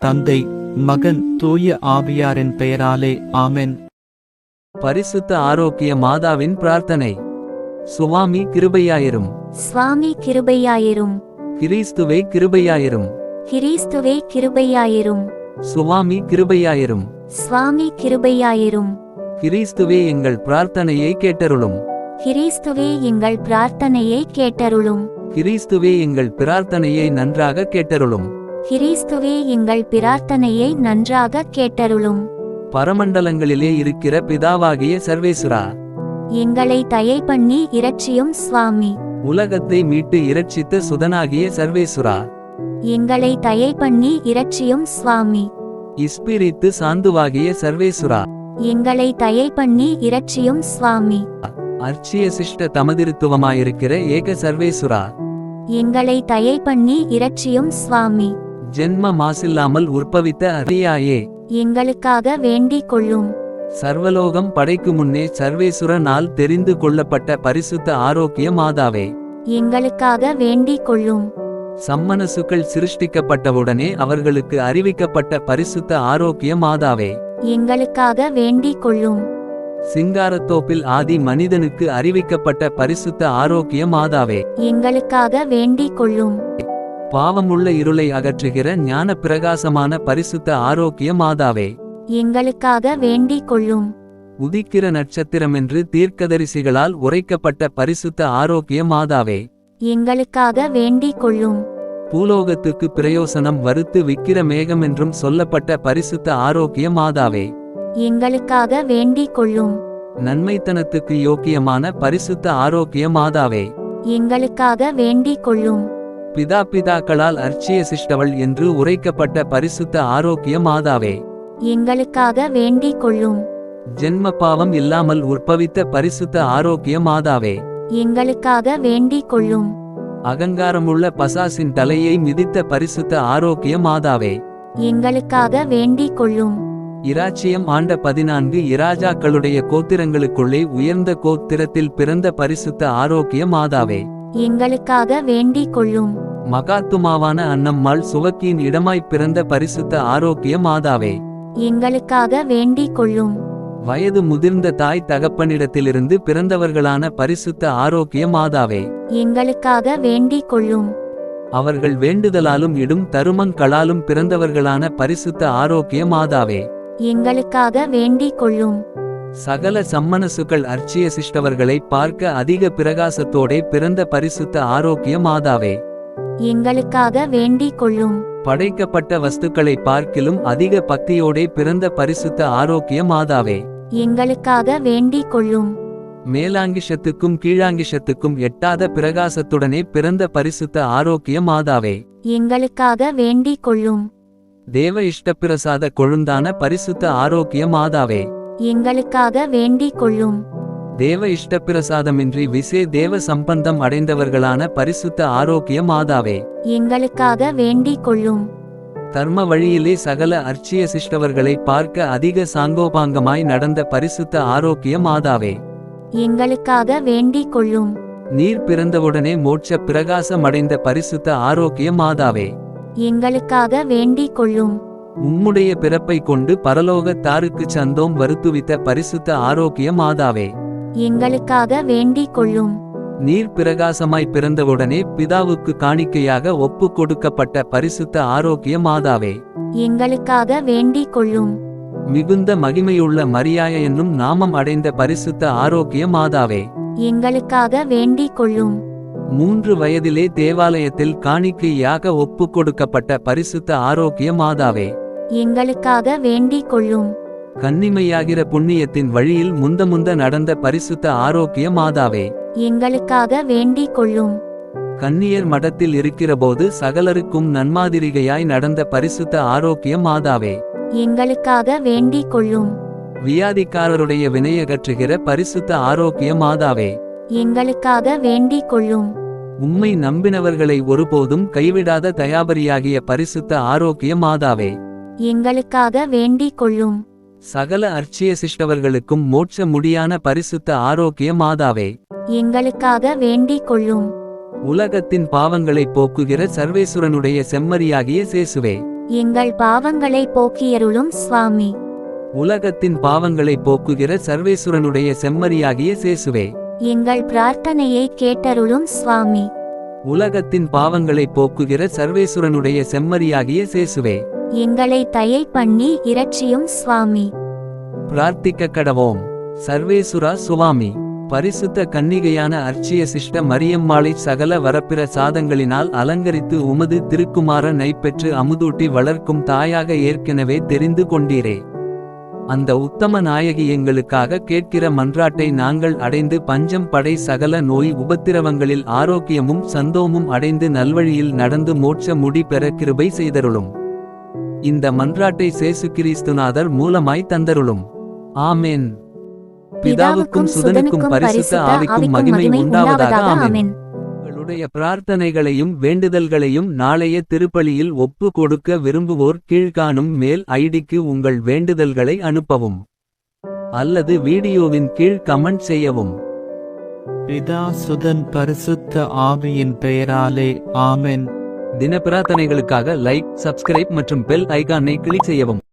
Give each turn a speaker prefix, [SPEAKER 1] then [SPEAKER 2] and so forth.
[SPEAKER 1] தந்தை, மகன், தூய ஆவியாரின் பெயராலே ஆமென்.
[SPEAKER 2] பரிசுத்த ஆரோக்கிய மாதாவின் பிரார்த்தனை. சுவாமி கிருபையாயிரும்.
[SPEAKER 3] சுவாமி கிருபையாயிரும்.
[SPEAKER 2] கிறிஸ்துவே கிருபையாயிரும்.
[SPEAKER 3] கிறிஸ்துவே கிருபையாயிரும்.
[SPEAKER 2] சுவாமி கிருபையாயிரும்.
[SPEAKER 3] சுவாமி கிருபையாயிரும்.
[SPEAKER 2] கிறிஸ்துவே எங்கள் பிரார்த்தனையை கேட்டருளும்.
[SPEAKER 3] கிறிஸ்துவே எங்கள் பிரார்த்தனையை கேட்டருளும்.
[SPEAKER 2] கிறிஸ்துவே எங்கள் பிரார்த்தனையை நன்றாக கேட்டருளும்.
[SPEAKER 3] கிறிஸ்துவே எங்கள் பிரார்த்தனையை நன்றாக கேட்டருளும்.
[SPEAKER 2] பரமண்டலங்களிலே இருக்கிற பிதாவாகிய சர்வேசுரா,
[SPEAKER 3] எங்களை தயை பண்ணி இரட்சியும் சுவாமி.
[SPEAKER 2] உலகத்தை மீட்டு இரட்சித்த சுதனாகிய சர்வேசுரா,
[SPEAKER 3] எங்களை தயை பண்ணி இரட்சியும் சுவாமி.
[SPEAKER 2] இஸ்பிரித்து சாந்துவாகிய சர்வேசுரா,
[SPEAKER 3] எங்களை தயை பண்ணி இரட்சியும் சுவாமி.
[SPEAKER 2] அர்ச்சிய சிஷ்ட தமதிருத்துவமாயிருக்கிற ஏக சர்வேசுரா,
[SPEAKER 3] எங்களை தயை பண்ணி இரட்சியும் சுவாமி.
[SPEAKER 2] ஜென்ம மாசில்லாமல் உற்பவித்த அரியாயே,
[SPEAKER 3] எங்களுக்காக வேண்டிக் கொள்ளும்.
[SPEAKER 2] சர்வலோகம் படைக்கு முன்னே சர்வேசுரனால் தெரிந்து கொள்ளப்பட்ட பரிசுத்த ஆரோக்கிய மாதாவே,
[SPEAKER 3] எங்களுக்காக வேண்டிக் கொள்ளும்.
[SPEAKER 2] சம்மனசுக்கள் சிருஷ்டிக்கப்பட்டவுடனே அவர்களுக்கு அறிவிக்கப்பட்ட பரிசுத்த ஆரோக்கிய மாதாவே,
[SPEAKER 3] எங்களுக்காக வேண்டிக் கொள்ளும்.
[SPEAKER 2] சிங்காரத்தோப்பில் ஆதி மனிதனுக்கு அறிவிக்கப்பட்ட பரிசுத்த ஆரோக்கிய மாதாவே,
[SPEAKER 3] எங்களுக்காக வேண்டிக் கொள்ளும்.
[SPEAKER 2] பாவமுள்ள இருளை அகற்றுகிற ஞான பிரகாசமான பரிசுத்த ஆரோக்கிய மாதாவே,
[SPEAKER 3] எங்களுக்காக வேண்டிக் கொள்ளும்.
[SPEAKER 2] உதிக்கிற நட்சத்திரமென்று தீர்க்கதரிசிகளால் உரைக்கப்பட்ட பரிசுத்த ஆரோக்கிய மாதாவே,
[SPEAKER 3] எங்களுக்காக வேண்டிக் கொள்ளும்.
[SPEAKER 2] பூலோகத்துக்கு பிரயோசனம் வறுத்து விக்கிர மேகமென்றும் சொல்லப்பட்ட பரிசுத்த ஆரோக்கிய மாதாவே,
[SPEAKER 3] எங்களுக்காக வேண்டிக் கொள்ளும்.
[SPEAKER 2] நன்மைத்தனத்துக்கு யோக்கியமான பரிசுத்த ஆரோக்கிய மாதாவே,
[SPEAKER 3] எங்களுக்காக வேண்டிக் கொள்ளும்.
[SPEAKER 2] பிதாக்களால் அர்ச்சிய சிஷ்டவள் என்று உரைக்கப்பட்ட பரிசுத்த ஆரோக்கிய மாதாவே,
[SPEAKER 3] எங்களுக்காக வேண்டிக் கொள்ளும்.
[SPEAKER 2] ஜென்ம பாவம் இல்லாமல் உற்பவித்த பரிசுத்த ஆரோக்கிய மாதாவே,
[SPEAKER 3] எங்களுக்காக வேண்டிக் கொள்ளும்.
[SPEAKER 2] அகங்காரமுள்ள பசாசின் தலையை மிதித்த பரிசுத்த ஆரோக்கிய மாதாவே,
[SPEAKER 3] எங்களுக்காக வேண்டிக் கொள்ளும்.
[SPEAKER 2] இராச்சியம் ஆண்ட 14 இராஜாக்களுடைய கோத்திரங்களுக்குள்ளே உயர்ந்த கோத்திரத்தில் பிறந்த பரிசுத்த ஆரோக்கிய மாதாவே,
[SPEAKER 3] எங்களுக்காக வேண்டிக் கொள்ளும்.
[SPEAKER 2] மகாத்துமாவான அன்னம்மாள் சுவக்கியின் இடமாய்ப் பிறந்த பரிசுத்த ஆரோக்கிய மாதாவே,
[SPEAKER 3] எங்களுக்காக வேண்டிக் கொள்ளும்.
[SPEAKER 2] வயது முதிர்ந்த தாய் தகப்பனிடத்திலிருந்து பிறந்தவர்களான பரிசுத்த ஆரோக்கிய மாதாவே,
[SPEAKER 3] எங்களுக்காக வேண்டிக் கொள்ளும்.
[SPEAKER 2] அவர்கள் வேண்டுதலாலும் இடும் தருமங்களாலும் பிறந்தவர்களான பரிசுத்த ஆரோக்கிய மாதாவே,
[SPEAKER 3] எங்களுக்காக வேண்டிக் கொள்ளும்.
[SPEAKER 2] சகல சம்மனசுக்கள் அர்ச்சிய சிஷ்டவர்களை பார்க்க அதிக பிரகாசத்தோடே பிறந்த பரிசுத்த ஆரோக்கிய மாதாவே,
[SPEAKER 3] எங்களுக்காக வேண்டிக் கொள்ளும்.
[SPEAKER 2] படைக்கப்பட்ட வஸ்துக்களை பார்க்கிலும் அதிக பக்தியோடே பிறந்த பரிசுத்த ஆரோக்கிய மாதாவே,
[SPEAKER 3] எங்களுக்காக வேண்டிக் கொள்ளும்.
[SPEAKER 2] மேலாங்கிஷத்துக்கும் கீழாங்கிஷத்துக்கும் எட்டாத பிரகாசத்துடனே பிறந்த பரிசுத்த ஆரோக்கிய மாதாவே,
[SPEAKER 3] எங்களுக்காக வேண்டிக் கொள்ளும்.
[SPEAKER 2] தேவ இஷ்டப்பிரசாத கொழுந்தான பரிசுத்த ஆரோக்கிய மாதாவே,
[SPEAKER 3] எங்களுக்காக வேண்டிக் கொள்ளும்.
[SPEAKER 2] தேவ இஷ்டப்பிரசாதமின்றி விசே தேவ சம்பந்தம் அடைந்தவர்களான பரிசுத்த ஆரோக்கிய மாதாவே,
[SPEAKER 3] எங்களுக்காக வேண்டிக் கொள்ளும்.
[SPEAKER 2] தர்ம வழியிலே சகல அர்ச்சிய சிஷ்டவர்களை பார்க்க அதிக சாங்கோபாங்கமாய் நடந்த பரிசுத்த ஆரோக்கிய மாதாவே,
[SPEAKER 3] எங்களுக்காக வேண்டிக் கொள்ளும்.
[SPEAKER 2] நீர் பிறந்தவுடனே மோட்ச பிரகாசமடைந்த பரிசுத்த ஆரோக்கிய மாதாவே,
[SPEAKER 3] எங்களுக்காக வேண்டிக் கொள்ளும்.
[SPEAKER 2] உம்முடைய பிறப்பை கொண்டு பரலோக தாருக்குச் சந்தோம் வருத்துவித்த பரிசுத்த ஆரோக்கிய மாதாவே,
[SPEAKER 3] எங்களுக்காக வேண்டிக் கொள்ளும்.
[SPEAKER 2] நீர் பிரகாசமாய் பிறந்தவுடனே பிதாவுக்கு காணிக்கையாக ஒப்பு கொடுக்கப்பட்ட பரிசுத்த ஆரோக்கிய மாதாவே,
[SPEAKER 3] எங்களுக்காக வேண்டிக் கொள்ளும்.
[SPEAKER 2] மிகுந்த மகிமையுள்ள மரியாய என்னும் நாமம் அடைந்த பரிசுத்த ஆரோக்கிய மாதாவே,
[SPEAKER 3] எங்களுக்காக வேண்டிக் கொள்ளும்.
[SPEAKER 2] 3 வயதிலே தேவாலயத்தில் காணிக்கையாக ஒப்பு கொடுக்கப்பட்ட பரிசுத்த ஆரோக்கிய மாதாவே,
[SPEAKER 3] எங்களுக்காக வேண்டிக் கொள்ளும்.
[SPEAKER 2] கன்னிமையாகிற புண்ணியத்தின் வழியில் முந்த நடந்த பரிசுத்த ஆரோக்கிய மாதாவே,
[SPEAKER 3] எங்களுக்காக வேண்டிக் கொள்ளும்.
[SPEAKER 2] கன்னியர் மடத்தில் இருக்கிறபோது சகலருக்கும் நன்மாதிரிகையாய் நடந்த பரிசுத்த ஆரோக்கிய மாதாவே,
[SPEAKER 3] எங்களுக்காக வேண்டிக் கொள்ளும்.
[SPEAKER 2] வியாதிக்காரருடைய வினையகற்றுகிற பரிசுத்த ஆரோக்கிய மாதாவே,
[SPEAKER 3] எங்களுக்காக வேண்டிக் கொள்ளும்.
[SPEAKER 2] உம்மை நம்பினவர்களை ஒருபோதும் கைவிடாத தயாபரியாகிய பரிசுத்த ஆரோக்கிய மாதாவே,
[SPEAKER 3] எங்களுக்காக வேண்டிக் கொள்ளும்.
[SPEAKER 2] சகல அர்ச்சிய சிஷ்டவர்களுக்கும் மோட்ச முடியான பரிசுத்த ஆரோக்கிய மாதாவே,
[SPEAKER 3] எங்களுக்காக வேண்டிக் கொள்ளும்.
[SPEAKER 2] உலகத்தின் பாவங்களை போக்குகிற சர்வேசுரனுடைய செம்மறியாகிய சேசுவே,
[SPEAKER 3] எங்கள் பாவங்களை போக்கியருளும் சுவாமி.
[SPEAKER 2] உலகத்தின் பாவங்களை போக்குகிற சர்வேசுரனுடைய செம்மறியாகிய சேசுவே.
[SPEAKER 3] எங்கள் பிரார்த்தனையை கேட்டருளும் சுவாமி.
[SPEAKER 2] உலகத்தின் பாவங்களை போக்குகிற சர்வேசுரனுடைய செம்மறியாகிய சேசுவே.
[SPEAKER 3] எங்களை தயை பண்ணி இரட்சியும் சுவாமி.
[SPEAKER 2] பிரார்த்திக்க கடவோம். சர்வேசுரா சுவாமி. பரிசுத்த கன்னிகையான அர்ச்சிய சிஷ்ட மரியம்மாளை சகல வரப்பிற சாதங்களினால் அலங்கரித்து உமது திருக்குமார நைப்பெற்று அமுதூட்டி வளர்க்கும் தாயாக ஏற்கனவே தெரிந்து கொண்டீரே. அந்த உத்தம நாயகி எங்களுக்காக கேட்கிற மன்றாட்டை நாங்கள் அடைந்து பஞ்சம் படை சகல நோய் உபத்திரவங்களில் ஆரோக்கியமும் சந்தோமும் அடைந்து நல்வழியில் நடந்து மோட்ச முடி பெற கிருபை செய்தருளும். இந்த மன்றாட்டை சேசு கிறிஸ்துநாதர் மூலமாய் தந்தருளும். ஆமென். பிதாவுக்கும் சுதனுக்கும் பரிசுத்த ஆவிக்கும் மகிமை உண்டாவதாக. ஆமென். உங்களுடைய பிரார்த்தனைகளையும் வேண்டுதல்களையும் நாளைய திருப்பலியில் ஒப்பு கொடுக்க விரும்புவோர் கீழ்காணும் மேல் ஐடிக்கு உங்கள் வேண்டுதல்களை அனுப்பவும் அல்லது வீடியோவின் கீழ் கமெண்ட் செய்யவும்.
[SPEAKER 1] பிதா சுதன் பரிசுத்த ஆவியின் பெயராலே ஆமென்.
[SPEAKER 2] தின பிரார்த்தனைகளுக்காக லைக், சப்ஸ்கிரைப் மற்றும் பெல் ஐகானை கிளிக் செய்யவும்.